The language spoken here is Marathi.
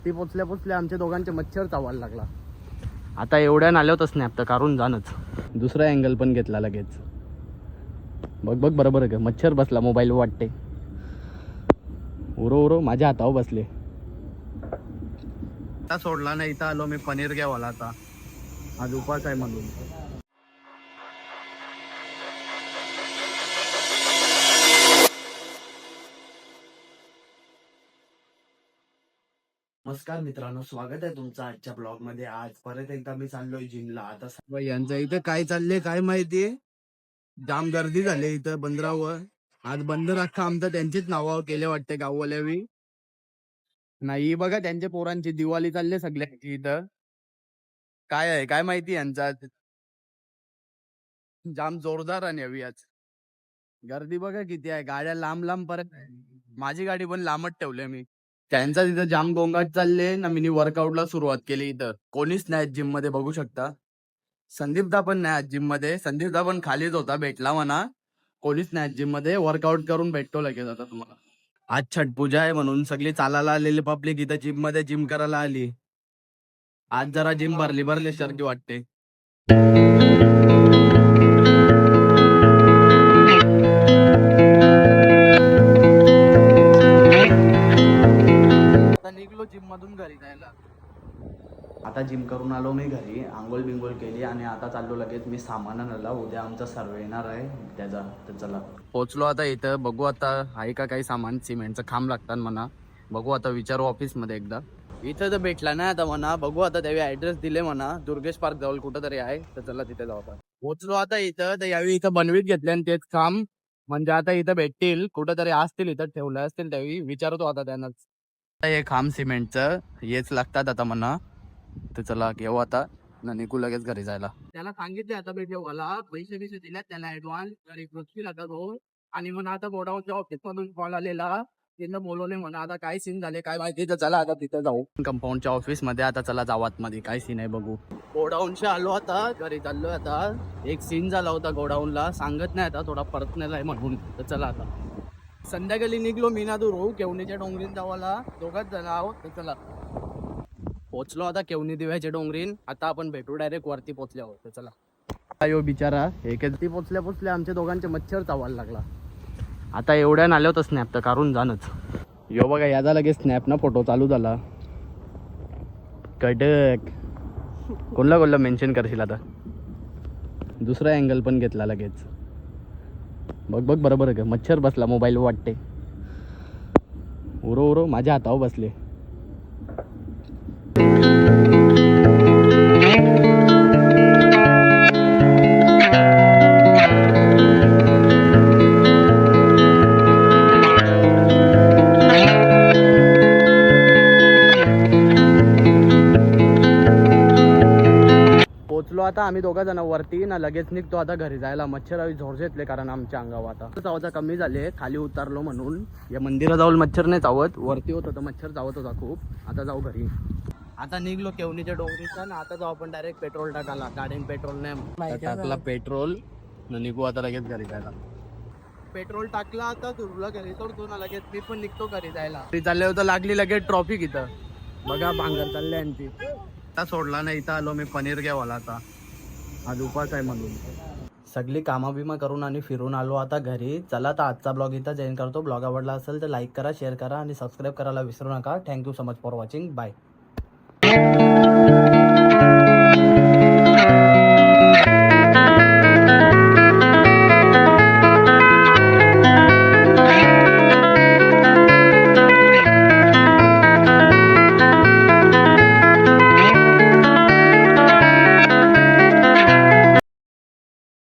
ती पोचल्या पोचल्या आमच्या दोघांचे मच्छर चावायला लागला. आता एवढ्या नाल्या होतं स्नॅप तर काढून जाणच. दुसरा अँगल पण घेतला लगेच. बघ बघ बरोबर आहे का, मच्छर बसला मोबाईल वाटते. उरो उरो माझ्या हातावर बसले. आता सोडला नाही, इथं आलो मी पनीर घ्यावाला. आता आज उपास आहे म्हणून. नमस्कार मित्रांनो, स्वागत आहे तुमचं आजच्या ब्लॉग मध्ये. आज परत एकदा मी चाललोय जिमला. आता यांचं इथं काय चाललंय काय माहितीये, जाम गर्दी झाली इथं बंदरावर. आज बंदर अख्खा आमचं त्यांचीच नावावर केले वाटते गाववाल्यावी. नाही बघा त्यांच्या पोरांची दिवाळी चालली सगळ्यांची इथं. काय आहे काय माहिती यांचा आज. जाम जोरदार आणि हवी आज गर्दी बघा किती आहे. गाड्या लांब लांब, परत माझी गाडी पण लांबच ठेवली मी. त्यांचा तिथं जाम गोंगाट चालले ना. मी वर्कआउटला सुरुवात केली. इथं कोणीच नाही जिम मध्ये, बघू शकता. संदीपदा पण नाही आज जिम मध्ये. संदीपदा पण खालीच होता, भेटला म्हणा. कोणीच नाही जिम मध्ये. वर्कआउट करून भेटतो लगेच आता तुम्हाला. आज छठ पूजा आहे म्हणून सगळी चालायला आलेली पब्लिक इथं जिम मध्ये जिम करायला आली. आज जरा जिम भरली सारखी वाटते. निघलो जिम मधून घरी जायला. आता जिम करून आलो मी घरी, आंघोळ बिंगोळ केली आणि आता चाललो लगेच मी सामान आणायला. उद्या आमचा सर्वे येणार आहे त्याचा. तर चला पोचलो आता इथं. बघू आता आहे का काही सामान. सिमेंटचं खांब लागतात म्हणा. बघू आता विचारू ऑफिस मध्ये एकदा. इथं तर भेटला नाही आता म्हणा. बघू आता त्यावेळी ऍड्रेस दिले म्हणा. दुर्गेश पार्क जवळ कुठं तरी आहे. तर चला तिथे जाऊ आता. पोचलो आता इथं. तर यावेळी इथं बनवीत घेतले आणि तेच खांब म्हणजे आता इथं भेटतील कुठं तरी, असतील इथं ठेवलं असतील. त्यावेळी विचारतो आता त्यांनाच. हे खांब सिमेंटचं हेच लागतात आता म्हणा. तर चला घेऊ आता ना, निघू लगेच घरी जायला. त्याला सांगितले आता भेटू मला, पैसे बिसे दिल्यात त्याला ऍडव्हान्स. तरी पृथ्वी लागत हो. आणि म्हणा आता गोडाऊनच्या ऑफिस मधून कॉल आलेला, तिथं बोलवले म्हणा. आता काय सीन झाले काय माहिती. तर चला आता तिथे जाऊ कंपाऊंडच्या ऑफिस मध्ये. आता चला जाऊ आतमध्ये काय सीन आहे बघू. गोडाऊनच्या आलो आता, घरी चाललोय आता. एक सीन झाला होता गोडाऊनला, सांगत नाही आता, थोडा परत नेलाय म्हणून. तर चला आता संध्याकाळी निघलो मी ना दूर केवणीच्या डोंगरीत जावाला. दोघांच जण आहोत. तर चला पोचलो आता केवणी दिव्याच्या डोंगरीन. आता आपण भेटू डायरेक्ट वरती पोचल्यावर. तर चला. यो बिचारा ती पोचल्या पोचल्या आमच्या दोघांचे मच्छर चावायला लागला. आता एवढ्या नाल्या होतं स्नॅप तर काढून जाणच. यो बघा याचा लगेच स्नॅप ना फोटो चालू झाला. कडक. कोणला मेन्शन करशील आता. दुसरा अँगल पण घेतला लगेच. बघ बघ बरोबर आहे का, मच्छर बसला मोबाईल वाटते. उरो उरो माझ्या हातावर बसले. पोचलो आता आम्ही दोघा जण वरती ना. लगेच निघतो आता घरी जायला. मच्छर झोर घेतले कारण आमच्या अंगावर आता चावता कमी झाले. खाली उतरलो म्हणून. या मंदिरात जाऊन मच्छर नाही चावत, वरती होत होतं मच्छर चावत होता खूप. आता जाऊ घरी. आता निघलो केवणीच्या डोंगरीचा ना. आता जाऊ आपण डायरेक्ट पेट्रोल टाकायला. गाडीन पेट्रोल नाही टाकला पेट्रोल न निघू आता लगेच घरी जायला. पेट्रोल टाकला आता तुला घरी सोडतो ना लगेच. मी पण निघतो घरी जायला. घरी चालले होतं लागली लगेच ट्रॉफिक इथं. बघा भांगर चालले यांची. आता सोडला नाही, इथं आलो मी पनीर घ्यावाला. आता आज उपास आहे म्हणून. सगळी कामा बिमा करून आणि फिरून आलो आता घरी. चला तर आजचा ब्लॉग इथं जॉईन करतो. ब्लॉग आवडला असेल तर लाईक करा, शेअर करा आणि सबस्क्राईब करायला विसरू नका. Thank you so much for watching. Bye.